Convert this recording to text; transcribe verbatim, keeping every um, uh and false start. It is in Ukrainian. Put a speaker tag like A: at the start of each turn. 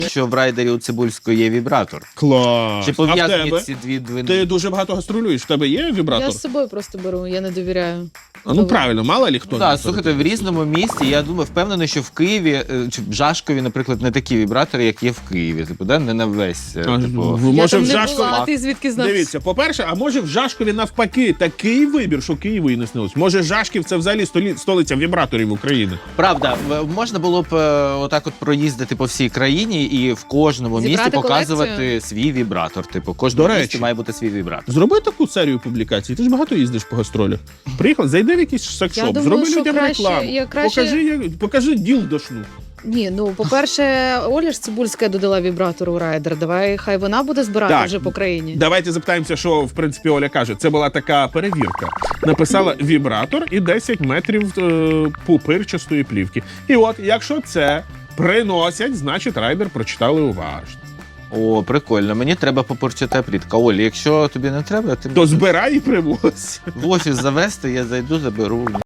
A: що в райдері у Цибульської є вібратор.
B: Клас.
A: Чи
B: А в
A: пов'язані
B: тебе?
A: ці дві двини?
B: Ти дуже багато гастролюєш, в тебе є вібратор?
C: Я з собою просто беру, я не довіряю.
B: А, ну правильно, мало лі хто.
A: Ну, так, слухайте, в різному місті, я думаю, впевнений, що в Києві, е, чи в Жашкові, наприклад, не такі вібратори, як є в Києві. Типу, да? Не на весь. е,
B: А,
A: Типу...
B: в-
C: Я
B: може
C: там
B: в
C: не
B: Жашкові...
C: була, а ти звідки знав?
B: Дивіться, по-перше, а може в Жашкові навпаки такий вибір, що Києву і не снилось. Може Жашків це взагалі столі... столиця вібраторів України.
A: Правда, в- можна було б е, отак от проїздити по всій країні і в кожному
C: Зібрати
A: місті показувати
C: колекцію?
A: свій вібратор. Типу, кожному
B: До
A: місті
B: речі.
A: має бути свій вібратор.
B: Зроби таку серію публікацій. Ти ж багато їздиш по гастролях. Приїхав, зайди в якийсь секшоп,
C: Я думаю,
B: зроби
C: що
B: людям
C: краще-
B: рекламу.
C: я краще-
B: Покажи, як... покажи ділдошну.
C: Ні, ну, по-перше, Оля ж Цибульська додала вібратор у райдер. Давай, хай вона буде збирати
B: Так.
C: вже по країні.
B: Давайте запитаємося, що в принципі Оля каже. Це була така перевірка. Написала вібратор і десять метрів е, пупирчастої плівки. І от, якщо це приносять, значить райдер прочитали уважно.
A: О, прикольно. Мені треба попорчата плітка. Олі, якщо тобі не треба, ти
B: То збирай і привозь.
A: в офіс завести, я зайду, заберу.